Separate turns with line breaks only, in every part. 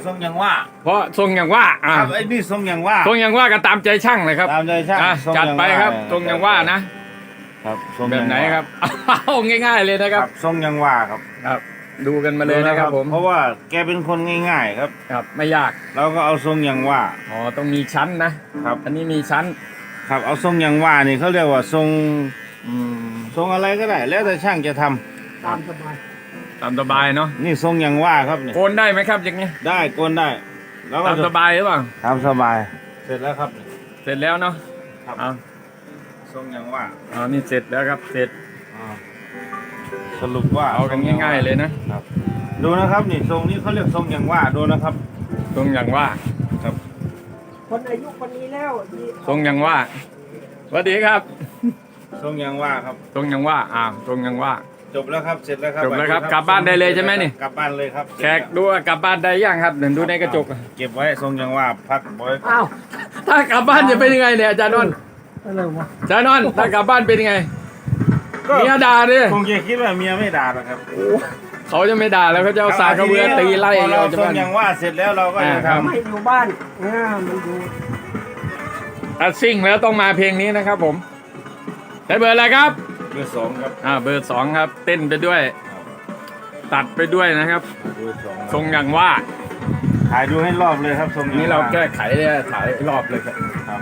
ทรงอย่างว่า
เพราะทรงอย่างว่า
ครับไอ้นี่ทรงอย่างว่า
ทรงอย่างว่าก็ตามใจช่างเลยครับ
ตามใจช่าง
จัดไปครับทรงอย่างว่านะครับแบบไหนครับเอาง่ายๆเลยนะครับ
ทรงอย่างว่าครับ
ครับ ดูกันมาเลยนะครับผม
เพราะว่าแกเป็นคนง่ายๆครับ
ครับไม่ยาก
เราก็เอาทรงอย่างว่า
อ๋อต้องมีชั้นนะครับ อันนี้มีชั้น
ครับเอาทรงอย่างว่านี่เขาเรียกว่าทรง
อืม
ทรงอะไรก็ได้ แล้วแต่ช่างจะทำ
ตามสบาย
ตามสบายเนาะ
นี่ทรงอย่างว่าครับนี่
โกนได้ไหมครับอย่างนี้
ได้โกนได้ แล้วก็
ตามสบายหรือเปล่า
ทำสบาย เสร็จแล้วครับ
เสร็จแล้วเนาะ
ครับ
เอา
ทรงอย่างว่า
เอานี่เสร็จแล้วครับเสร็จ
อ่าสรุปว่า
เอากันง่ายๆเลยนะ
ครับ ดูนะครับนี่ทรงนี้เขาเรียกทรงอย่างว่าดูนะครับ
ทรงอย่างว่า
ครับ
คนอายุคนนี้แล้วดี
ทรงอย่างว่าสวัสดีครับ
ทรงอย่างว่าครับ
ทรงอย่างว่าทรงอย่างว่า
จบแล้วครับเสร็จแล้วครับ
จบแล้วครับกลับบ้านได้เลยใช่ไหมนี่
กลับบ้านเลยครับ
แขกดูว่ากลับบ้านได้ยังครับเดี๋ยวดูในกระจก
เก็บไว้ทรงอย่างว่าพักไว้
อ้าว
ถ้ากลับบ้านจะเป็นยังไงเนี่ยอาจารย์นนท์
อะไรวะ
อาจารย์นนท์ถ้ากลับบ้านเป็นยังไง
ก็
เมียด่าดิ
คงจะคิดว่าเมียไม่ด่าหรอกครับ
เขาจะไม่ด่าแล้วเขาจะเอาสากกระเบือตีไล่
พอเรา
เราจะ
ทรง
บ้าน
อย่างว่าเสร็จแล้วเราก็จะ
ครับ
ทำ
ไม่อยู่บ้านมันอยู่
ถ้าซิ่งแล้วต้องมาเพลงนี้นะครับผมใช้เบอร์อะไรครับ
เบอร์สองครับ
เบอร์สองครับ เต้นไปด้วย ตัดไปด้วยนะครับ
เบอร์สอง
ทรงอย่างว่า
ถ่ายดูให้รอบเลยครับทรงอย่ง
นี่เรา
ว่
แก้ไขเลยถ่ายรอบเลยครับ
ครับ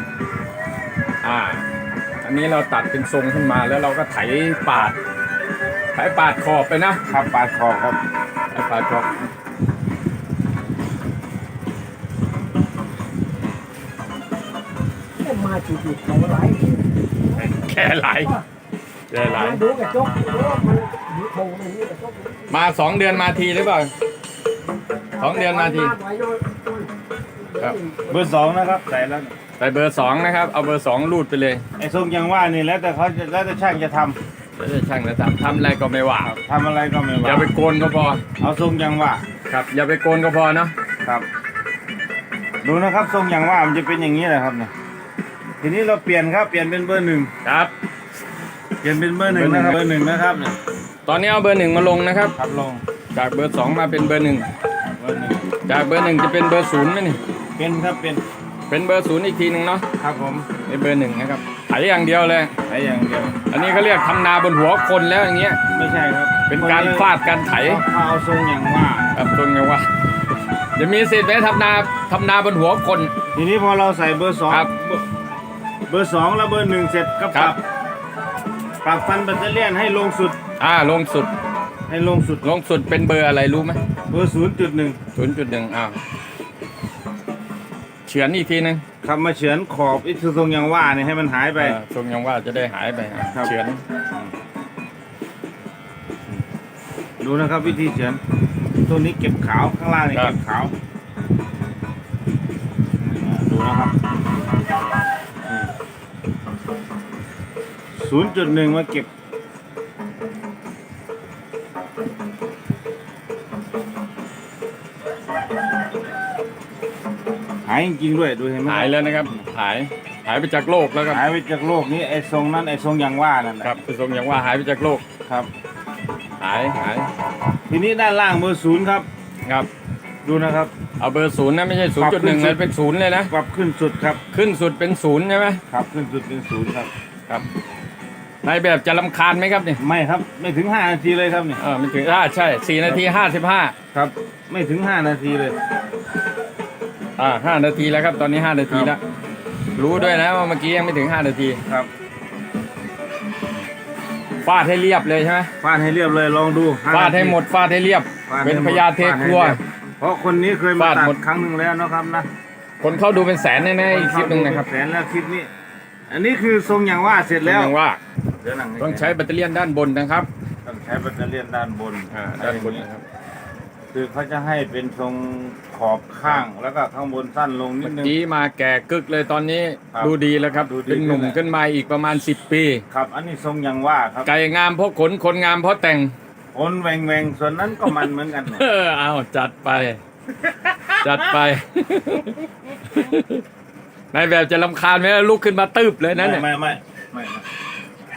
อันนี้เราตัดเป็นทรงขึ้นมาแล้วเราก็ไถปาดขอบไปนะครับ
ปาดคอครับ
ไถปาดขอบ
มาจุดๆเขาไหล
แค่ไหลแค่ไหล
มาดูกระจกดูว่ามันอยู่โถงมันนี่กระจก
มา2 เดือนมาทีหรือเปล่า2 เดือนมาที ครับ
เบอร์สองนะครับใส่แล้ว
ใส่เบอร์2นะครับเอาเบอร์2รูดไปเลย
ไอ้ทรงอย่างว่านี่แล้วแต่เขาจะแล้วแต่ช่างจะท
แล้วจะช่างจะทำอะไรก็ไม่ว่า
ำทำอะไรก็ไม่
อย่า
ว่า
ไปโกนก็พอ
เอาทรงอย่างว่า
ครับ อย่าไปโกนก็พอเนาะ
ครับ ดูนะครับทรงอย่างว่ามันจะเป็นอย่างนี้แหละครับเนี่ยทีนี้เราเปลี่ยนครับเปลี่ยนเป็นเบอร์หนึ่ง
ครับ
เปลี่ยนเป็นเบอร์หนึ่งนะครับเบอร์หนึ่งนะครับเนี่ย
ตอนนี้เอาเบอร์1มาลงนะครับ
ครับลง
จากเบอร์2มาเป็นเบอร์1
เบอร์หนึ่ง
จากเบอร์1จะเป็นเบอร์0ไหมนี่
เป็นครับเป็น
เป็นเบอร์0อีกทีหนึ่งเนาะ
ครับผม
ในเบอร์1นะครับไถอย่างเดียวเลย
ไอ้อย่างเดียว
อันนี้เขาเรียกทำนาบนหัวคนแล้วอย่างเงี้ย
ไม่ใช่ครับ
เป็นการฟาดการไถ
เขาเอาทรงอย่างว่า
ครับตรงไงว่าจะมีสิทธิ์ไหมทำนาบนหัวคน
ทีนี้พอเราใส่เบอร์สอง
ครับ
เบอร์สองแล้วเบอร์หนึ่งเสร็จก็
ค
ป
รั
รับ บปรับฟันแบตเตอรี่ให้ลงสุด
ลงสุด
ให้ลงสุด
ลงสุดเป็นเบอร์อะไรรู้ไหม
เบอร์0.1
0.1เฉือนอีกทีหนึง
ครับมาเฉือนขอบไอ้ทรงอย่างว่าเนี่ยให้มันหายไป
ทรงยังว่าจะได้หายไป
ครับ
เฉือน
ดูนะครับวิธีเฉือนตัวนี้เก็บขาวข้างล่างนี่เก็บขาวดูนะครับ0.1มาเก็บหายจริงๆด้วยดูเห็นไหม
หายแล้วนะครับหายไปจากโลกแล้วครับ
หายไปจากโลกนี้ไอ้ทรงนั้นไอ้ทรงอย่างว่านั่นแหละ
ครับทรงยังว่าหายไปจากโลก
ครับ
หาย
ทีนี้ด้านล่างเบอร์0ครับ
ครับ
ดูนะครับ
เอาเบอร์0นะไม่ใช่
ปรับขึ้น
0.1
สุ
นะ
ด
เป็น0เลยนะ
ปรับขึ้นสุดครับ
ขึ้นสุดเป็น0ใช่ไหม
ครับขึ้นสุดเป็น0ครับ
ครับนายแบบจะรำคาญไหมครับนี่
ไม่ครับไม่ถึง5นาทีเลยครับนี่
ไม่ถึงใช่4 นาที 55
ครับ ไม่ถึง5นาทีเลย
5 นาทีแล้วครับตอนนี้5 นาทีแล้วรู้ด้วยนะว่าเมื่อกี้ยังไม่ถึง5 นาที
ครับ
ฟาดให้เรียบเลยใช่ไหม
ฟาดให้เรียบเลยลองดู5
ฟาดให้หมดฟาดให้เรียบ
ฟาดให้
เป็น
หมด
พญาเทครัว
ฟาดให้เรียบเพราะคนนี้เคยมา
ฟาด
ตัด
หมด
ครั้งหนึ่งแล้วนะครับนะ
คนเข้าดูเป็นแสนแน่ๆอีกคลิปหนึ่งนะครับ
แสนแล้วคลิปนี้ อันนี้คือทรงอย่างว่าเสร็จแล้ว
ยังว่า
เดี๋ยวหนั
ต้องใช้แบตเตอรี่ด้านบนนะครับ
ต้องใช้แบตเตอรี่ด้านบน
ด้านบนนะครับ
คือเขาจะให้เป็นทรงขอบข้างแล้วก็ข้างบนสั้นลงนิ
เมื่
ด
อ
นึง
กี้มาแก่กึกเลยตอนนี้
ครับ
ดูดีแล้วครับ
ดูดี
เป็นหนุ่ม
ขึ้นแล้ว
ขึ้นมาอีกประมาณ10 ปี
ครับ อันนี้ทรงอย่างว่าครับ
ไก่งามเพราะขนคนงามเพราะแต่ง
คนแหวงแหวงส่วนนั้นก็มันเหมือนกัน
เอาจัดไป จัดไป นายแบบจะรำคาญไหมลุกขึ้นมาตืบเลยนะเนี่ย
ไม่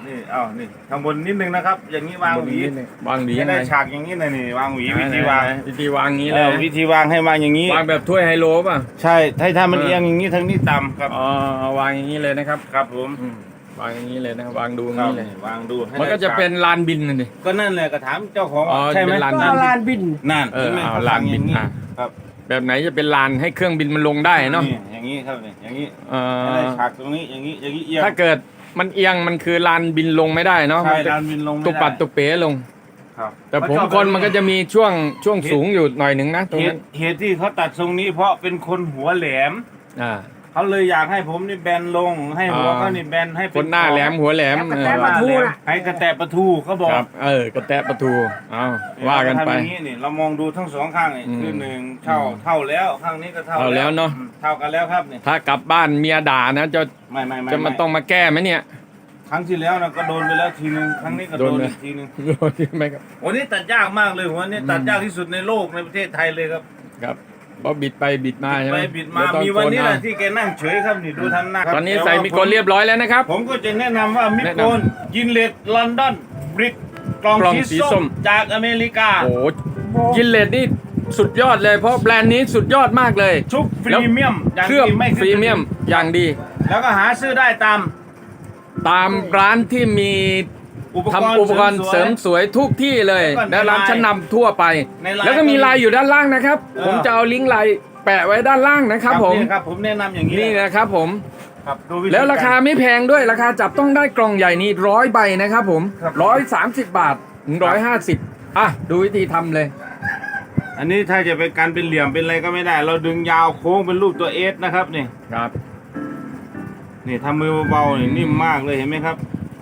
นี่เอานี่ข้างบนนิดนึงนะครับ อย่างนี้วางหวี
วางหวี
ไม่
ยังไง
ได้ฉากอย่างนี้นะนี่วางหวีวิธีวาง
วิธีวางงี้เลย
วิธีวางให้วางอย่างนี้
วางแบบถ้วยไฮโลป่ะ
ใช่ถ้ามันเอียงอย่างนี้ทั้งนี้ต่ำครับ
อ๋อวางอย่างนี้เลยนะครับ
ครับผม
วางอย่างนี้เลยนะวางดูอ
ค
ย่าง
รับ
นี้เลย
วางดูให้
มันก็จะเป็น
ได้
ลานบินน่ะดิ
ก็นั่นแหละก็ถามเจ้าของ
อ๋อ
ใช่ไหม
เป็นลาน
ก็ลานบิน
นั่น
เออ
ห็นไหม
เอา
ข
ลานบิน
อย่าง
อ่ะ
ครับ
แบบไหนจะเป็นลานให้เครื่องบินมันลงได้เนาะ
นี่อย่างนี้ครับนี่อย่างนี้
เอ
ให้ได้
อ
ฉากตรงนี้อย่างนี้เอียง
ถ้าเกิดมันเอียงมันคือลานบินลงไม่ได้เนาะ
ใช่
มันจะ
ลานบินลงไม่
ตุ
ได้
ปัดตุเป๋ลง
ครับ
แต่ผมคนมันก็จะมีช่วงสูงอยู่หน่อยหนึ่งนะตรง
เห
นั้
ตุ
น
เหตุที่เขาตัดทรงนี้เพราะเป็นคนหัวแหลม
อ่า
เขาเลยอยากให้ผมนี่แบนลง ให้หัว
อ่า
เขานี่แบนให้เป็
คนหน้าแหลมหัวแหลม
แล้วก็
เอ
แตะ
อ
ประตู
ให้กระแตะประตูเขาบอก
ครับกระแตะประตูเอาว่ากันไป
เรทำอย่างนี้นี่เรามองดูทั้งสองข้างนี่
อืม
คือหนึ่งเท่าแล้วข้างนี้ก็เท่า
เท่าแล้วเนอะ
เท่ากันแล้วครับนี่
ถ้ากลับบ้านเมียด่านะจะ
ไม่
จะมันต้องมาแก้ไหมเนี่ย
ครั้งที่แล้วนะก็โดนไปแล้วทีนึงครั้งนี้ก็โดน
โดนไหม
อีกทีนึง
โดนใช่ไหมครับ
วันนี้ตัดยากมากเลยวันนี้ตัดยากที่สุดในโลกในประเทศไทยเลยครับ
ครับเพราะบิดไปบิดมาใช่ไหม
ไปบิดมา
เยต้อง
มีวันนี้แหละ
โกเอา
ที่แกนั่งเฉยครับนี่ดูทำหน้าครับ
ตอนนี้
แต่ว่า
ใส่มิโกนเรียบร้อยแล้วนะครับ
ผมก็จะแนะนำว่ามิ
แนะ
โก
นำ
นยินเลดลอนดอนบริกกล่อง
กล่อง
สี
สีส้
ส้ม
ม
จากอเมริกา
โอ้โหยินเลดนี่สุดยอดเลย เพราะแบรนด์นี้สุดยอดมากเลย
ชุบพรีเมียมอย่าง
เครื่อง
ดีไม่
พรีเมียมอย่างดี
แล้วก็หาซื้อได้ตาม
ตามร้านที่มี ทำอุปกรณ์เสริมสวยทุกที่เลย และร้านชั้นนำทั่วไป แล้วก็มีไลน์อยู่ด้านล่างนะครับ ผมจะเอาลิงก์ไลน์แปะไว้ด้านล่างนะครับผม
นี่ครับผมแนะนำอย่างนี้
นี่นะครับผม
ครับดูธี
แล้วราคาไม่แพงด้วยราคาจับต้องได้กล่องใหญ่นี้100 ใบนะครับผม
ครับ
130 บาทถึง150อ่ะดูวิธีทำเลย
อันนี้ถ้าจะเป็นการเป็นเหลี่ยมเป็นอะไรก็ไม่ได้ เราดึงยาวโค้งเป็นรูปตัวเอสนะครับนี่
ครับ
นี่ทำมือเบาๆนี่นิ่มมากเลยเห็นไหมครับ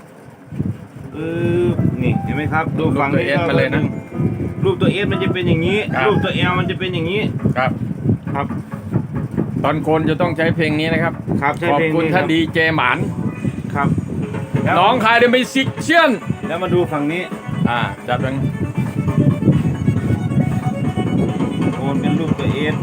นี่เห็นไหมครับดูฝั่งนี้
รูปตัว S มาเลยนะ
รูปตัวเอสมันจะเป็นอย่างนี้
ครับ
รูปตัวเอลมันจะเป็นอย่างนี้
ครับ
ครับ
ตอนโคนจะต้องใช้เพลงนี้นะครับ
ครับใช้
ขอบ
เพลง
คุณ
นี้
ท่านดีเจหมาน
ครับแล้ว
น้องคายเดมิซิกเชียน
แล้วมาดูฝั่งนี้
จัดเป็น
โอนเป็นรูปตัวเอส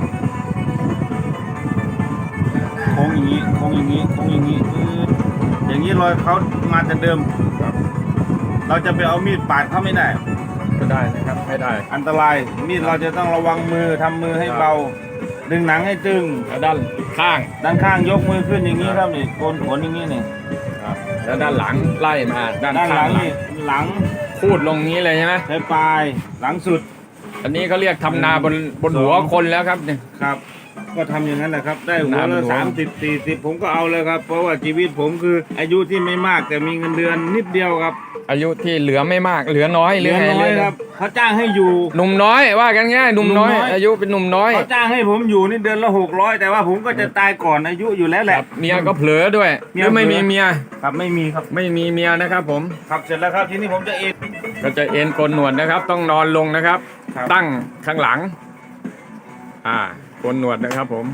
โค้งอย่างนี้โค้งอย่างนี้โค้งอย่างนี้อย่างนี้รอยเขามาแต่เดิม เราจะไปเอามีดปาดเขาไม่ได้
ก็ได้นะครับไม่ได้
อันตรายมีดเราจะต้องระวังมือทำมือให้เบา ดึงหนังให้ตึง
แล้วด้านข้าง
ด้านข้างยกมือขึ้นอย่างนี้ครับนี่โกนขนอย่างนี้นี่
แล้วด้านหลังไล่มาด้าน
ด้านห
ข้า
ลั
ง
งนี่หลัง
พูดลงนี้เลยใช่ไหม
ใช้ปลายหลังสุด
อันนี้เขาเรียกทำนาบนหัวคนแล้วครับเนี่ย
ครับ ก็ทำอย่างนั้นแหละครับ ได้หัว
น้ำ
ละ
หัว
30-40ผมก็เอาเลยครับ เพราะว่าชีวิตผมคืออายุที่ไม่มากแต่มีเงินเดือนนิดเดียวครับ
อายุที่เหลือไม่มากเหลือน้อย
เหลือ
ไง
น้อยครับเขาจ้างให้อยู่
หนุ่มน้อยว่ากันง่ายหนุ่มน้อย
หนุ่มน้อย
อายุเป็นหนุ่มน้อย
เขาจ้างให้ผมอยู่นี่เดือนละ600แต่ว่าผมก็จะตายก่อนอายุอยู่แล้วแห
ค
ละ
รับเมียก็เผลอด้วย
เมี
ห
ย
รือไม่
เผลอ
มีเมีย
ครับไม่มีครับ
ไม่มีเมียนะครับผม
ครับเสร็จแล้วครับทีนี้ผมจะเอ็น
ก็จะเอ็นโกนหนวดนะครับ ต้องนอนลงนะครับ
ครับ
ตั้งข้างหลังโกนหนวดนะครับผม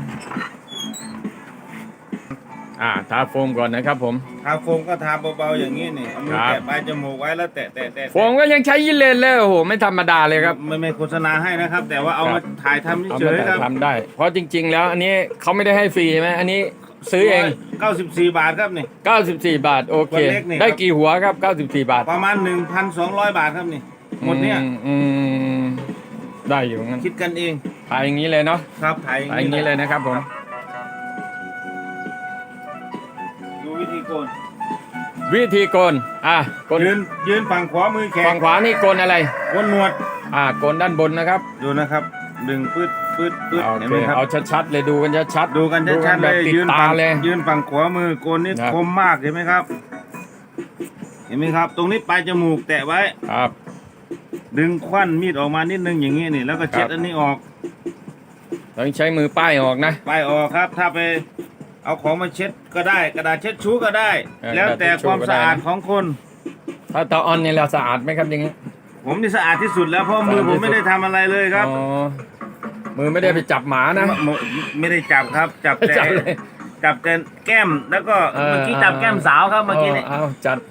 ทาโฟมก่อนนะครับผม
ทาโฟมก็ทาเบาๆอย่างนี้นี่เอามือ
ครับ
แตะปลายจมูกไว้แล้วแตะ
โฟมก็ยังใช้ยินเลนเลยโอ้โหไม่ธรรมดาเลยครับ
ไม่โฆษณาให้นะครับ แต่ว่าเอา
ครั
มา
บ
ถ่ายทำ
เอา
เฉ
มาย
ๆครับ
ทำได้ เพราะจริง ๆ แล้วอันนี้เขาไม่ได้ให้ฟรีใช่ไหมอันนี้ซื้อเอง
94 บาทครับนี่
94 บาทโอเค
ตัวเล็กนี่ครับ
ได้กี่หัวครับ 94 บาท
ประมาณ 1,200 บาทครับนี่หมดเนี่ย
ได้อยู่งั้น
คิดกันเอง
ขายอย่างนี้เลยเนาะ
ครับถ่าย
ขายอย่างนี้เลยนะครับผม
ดูวิธีโกน
วิธีโกนโกน
ยืนฝั่งขวามือแข
ฝั่
น
งขวานี่โกนอะไร
โกนหนวด
โกนด้านบนนะครับ
ดูนะครับ ดึงปื๊ดเห็นไหมครับ
เอาชัดๆเลยดูกันชัดๆ
ดูกันชัดๆ
แบ
เล
บ
ย
ติด
ยืน
ตา
ฝั่ง
เลย
ยืนฝั่งขวามือโกนนี่
ครับ
คมมากเห็นไหมครับ เห็นไหมครับ ตรงนี้ปลายจมูกแตะไว้
ครับ
ดึงควันมีดออกมานิดนึงอย่างนี้นี่แล้วก็เช็ด
ครับ
อันนี้ออก
ต้องใช้มือป้ายออกนะ
ปลายออกครับ ถ้าไปเอาของมาเช็ดก็ได้ กระดาษเช็ดชู้ก็ได้ แล้วแต่ความสะอาดของคน
ถ้าตาออนเนี่ยเราสะอาดไหมครับอย่างนี้
ผมนี่สะอาดที่สุดแล้วเพราะมือผมไม่ได้ทำอะไรเลยครับ
อ๋อมือไม่ได้ไปจับหมานะ
ไม่ได้จับครับ จับแต่
จับเลย
จับแต่แก้มแล้วก็เมื่อกี้จับแก้มสาวครับเมื่อกี้นี่
เอาจัดไป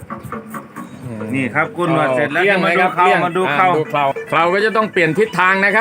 นี่ครับคุณหนวดเสร็จแล้ว
เกลี้ยง
จะ
ไหม
มาดู
ครับ
เข้า
เกลี้ยง
มาดูเข้า
เคราก็จะต้องเปลี่ยนทิศทางนะครับ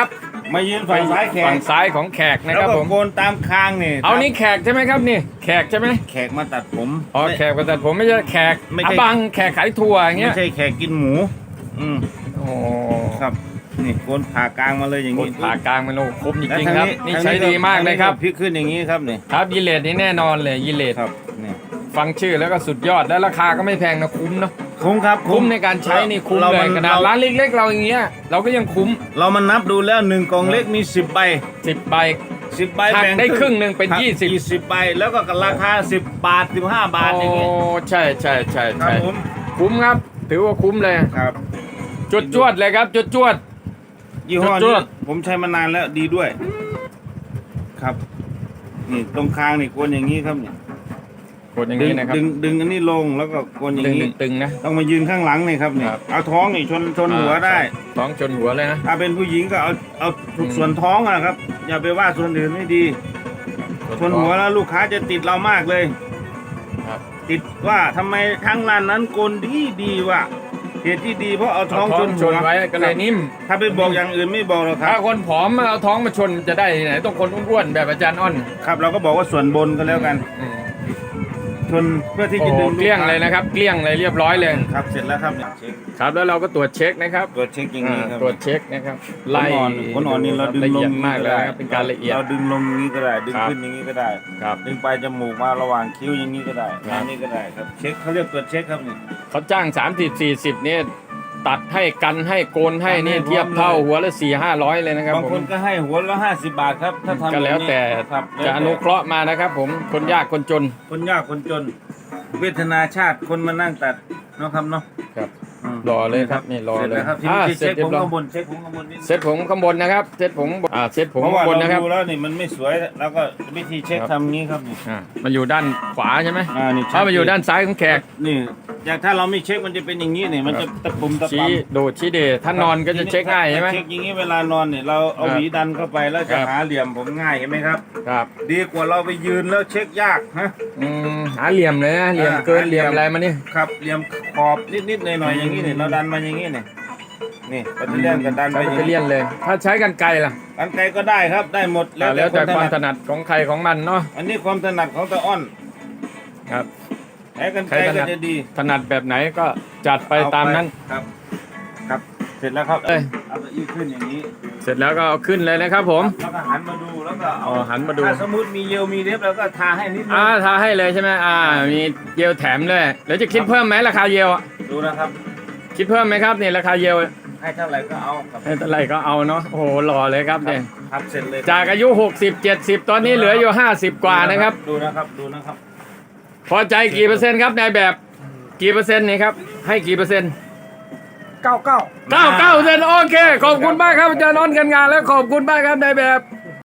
มายืนฝั่งซ้ายแขก
ฝั่งซ้ายของแขกนะ
แล้
คว รับ
ก็
ผม
โกนตามคางนี่
เอานี่แขกใช่ไหมครับนี่แขกใช่ไหม
แขกมาตัดผม
อ๋อแขกแต่ผมไม่ใช่แขก
ไม่ใช่
อาบังแขกขายถั่วอย่างเงี้
ไม่
ย
ใช่แขกกินหมู อืม
โอ้
ครับนี่โกนผ่ากลางมาเลยอย่าง
คน
นี้
ผ่ากลางมันโอ้คมจ
แล้ว
ริง
ทา
ๆครับ นี่ใช้ดีมากเลยครับ
พลิกขึ้นอย่างนี้ครับนี่
ครับยีเลดนี่แน่นอนเลยยีเลด
ครับนี่
ฟังชื่อแล้วก็สุดยอดและราคาก็ไม่แพงนะคุ้มเนาะ
คุ้มครับ
คุ้มในการใช้นี่คุ้ม
เรา
เล
มั
ยขนาดร้านเล็กๆเราอย่างเงี้ยเราก็ยังคุ้ม
เรามันนับดูแล้ว1กล่องเล็กมี10ใบ
10ใบ
10ใบ
หัก
แบ่ง
ได้ครึ่งหนึ่งเป็น
ครับ
20
20ใบแล้วก็ราคา10 บาท15 บาทอย่าง
โอ้
นี้
ใช่ใช่ใช่
ครับ
ใช่
ผม
คุ้มครับ ถือว่าคุ้มเลย
ครับ
จวดๆเลยครับจวด
ยี่ห้อ
จ
นี้
วด
ผมใช้มานานแล้วดีด้วย ครับ นี่ตรงคางนี่โกนอย่างนี้ครับนี่
ๆกดอย่าง
ดึง
นี้นะครับ
ดึงอันนี้ลงแล้วก็โกนอย่างนี้
ตึงๆนะ
ต้องมายืนข้างหลังนี่ครับนี่
ครับ
เอาท้องนี่ชนหัวได้
ท้องชนหัวเลยนะ
ถ้าเป็นผู้หญิงก็เอาทุกส่วนท้องอะนะครับ อย่าไปว่าส่วนอื่นไม่ดี ชนหัวแล้วลูกค้าจะติดเรามากเลย
ครับ
ติดว่าทำไมทั้งร้านนั้นโกนดีว่าเหตุที่ดีเพราะเอาท้องชน
ช
หัวน
ไว้ก็เลยนิ่ม
ถ้าไปบอกอย่างอื่นไม่บอกหรอกค
ถ้า
รับ
คนผอมมาเอาท้องมาชนจะได้ที่ไหนต้องคนอ้วนๆแบบอาจารย์อ้อน
ครับเราก็บอกว่าส่วนบนก็แล้วกัน
อืม
ชนเพื่อที่
โอ้
จะ
โห
ดึง
เกลี้ยงเลยนะครับเกลี้ยงเลยเรียบร้อยเลย
ครับเสร็จแล้วครับเนี่ยเช็ค
ครับแล้วเราก็ตรวจเช็คนะครับ
ตรวจเช็คอย่างนี้ครับ
ตรวจเช็คนะครับ
ไล่ขนอ่อนนี่เราดึง
ละ
ล
เอีย
ง
ดมากเลยนะครับเป็นการละเอียด
เราดึงลงอย่างนี้ก็ได้ ดึง
ครับ
ขึ้นอย่างนี้ก็ได้
ครับ
ดึงปลายจมูกมาระหว่างคิ้วอย่างนี้ก็ได้
ครับ
อย่างนี้ก็ได้ครับเช็คเขาเรียกตรวจเช็คครับนี่
เขาจ้าง 30-40เนี่ยตัดให้กันให้โกนให้นี่
ให้พร้อม
เทียบเท่าหัวละ400-500เลยนะครับ
บาง
ผ
ค
ม
นก็ให้หัวละ50 บาทครับถ้าทำ
ก็แล้วแต่
ครับ
จะอนุเคราะห์มานะครับ ผมคนยากคนจน
คนยากคนจน เวทนาชาติคนมานั่งตัดเนาะครับเนาะ
ครับ
ม
รอเลยครับนี่รอ
เสร็จ
เลย
แล้วครับที
อ่า
นี้
เสร็
เช็
จ
ค
เรีย
ผม
บร้อย
ข้างบนเช็คผมข้างบนนิดนึง
เซ็ตผมข้างบนนะครับเซ็ตผมเซ็ตผม
เพราะ
ข้า
ว่าง
บน
เรา
นะครับ
ดูแล้วนี่มันไม่สวยแล้วก็วิธีเช็ค
ครับ
ทำงี้ครับนี่
มันอยู่ด้านขวาใช่ไหม
นี่
ถ้ามันอยู่ด้านซ้ายของแขก
นี่อย่างถ้าเราไม่เช็คมันจะเป็นอย่างนี้นี่มันจะตะปุ่มตะ
ชี้
ปั๊ม
โดดชี้เดชถ้านอนก็จะเช็คง่ายใช่ไหม
เช็คอย่างนี้เวลานอนเนี่ยเราเอา
ครับ
หวีดันเข้าไปแล้วจะ
ครับ
หาเหลี่ยมผมง่ายเห็นไหมครับ
ครับ
ดีกว่าเราไปยืนแล้วเช็คยากฮะ
หาเหลี่ยมเลยนะเหลี่ยมเกิน
หาเห
เห
ลี่
ลี่
ย
ย
ม
มอะไรมานี่
ครับเหลี่ยมขอบนิดๆหน่อยๆอย่างนี้เนี่ยเราดันมาอย่างนี้เนี่ยนี่ปัตเตอร์เลียนกับดันไป
ใช้
อย่าง
ไปเลี่
นี้
ยนเลย ถ้าใช้กันไกลล่ะ
กันไกลก็ได้ครับได้หมด
แล้วแต่ความถนัดของใครของมันเนาะ
อันนี้ความถนัดของตาอ้อน
ครับ
ใช้กันไกล
ใครถนั
ก็
ด
จะดี
ถนัดแบบไหนก็จัดไปตามนั้น
ครับ ครับเสร็จแล้วครับ
เอ้ย
เอาตัวอี้ขึ้นอย่างนี้
เสร็จแล้วก็เอาขึ้นเลยนะครับผม
แล้วก็หันมาดูแล้วก็เอา
หันมาดู
ถ้าสมมติมีเยลมีเล็บแล้วก็ทาให้นิดนึง
ทาให้เลยใช่ไหมมีเยลแถมเลยแล้วจะคิดเพิ่มไหมราคาเยลอะ
ดูนะครับ
คิดเพิ่มไหมครับเนี่ยราคาเยล
ให้เท่าไหร่ก็เอาครับ
ให้เท่าไหร่ก็เอาเนาะโอ้โหหล่อเลยครับเนี่ย
ครับเสร็จเลย
จากอายุ 60-70 ตอนนี้เหลืออยู่ 50 กว่านะครับ
ดูนะครับดูนะครับ
พอใจกี่เปอร์เซ็นต์ครับนายแบบกี่เปอร์เซ็นต์นี่ครับให้กี่เปอร์เซ็นต์
99
99%โอเคขอบคุณมากครับอาจารย์นนท์กันงานแล้วขอบคุณมากครับนายแบบ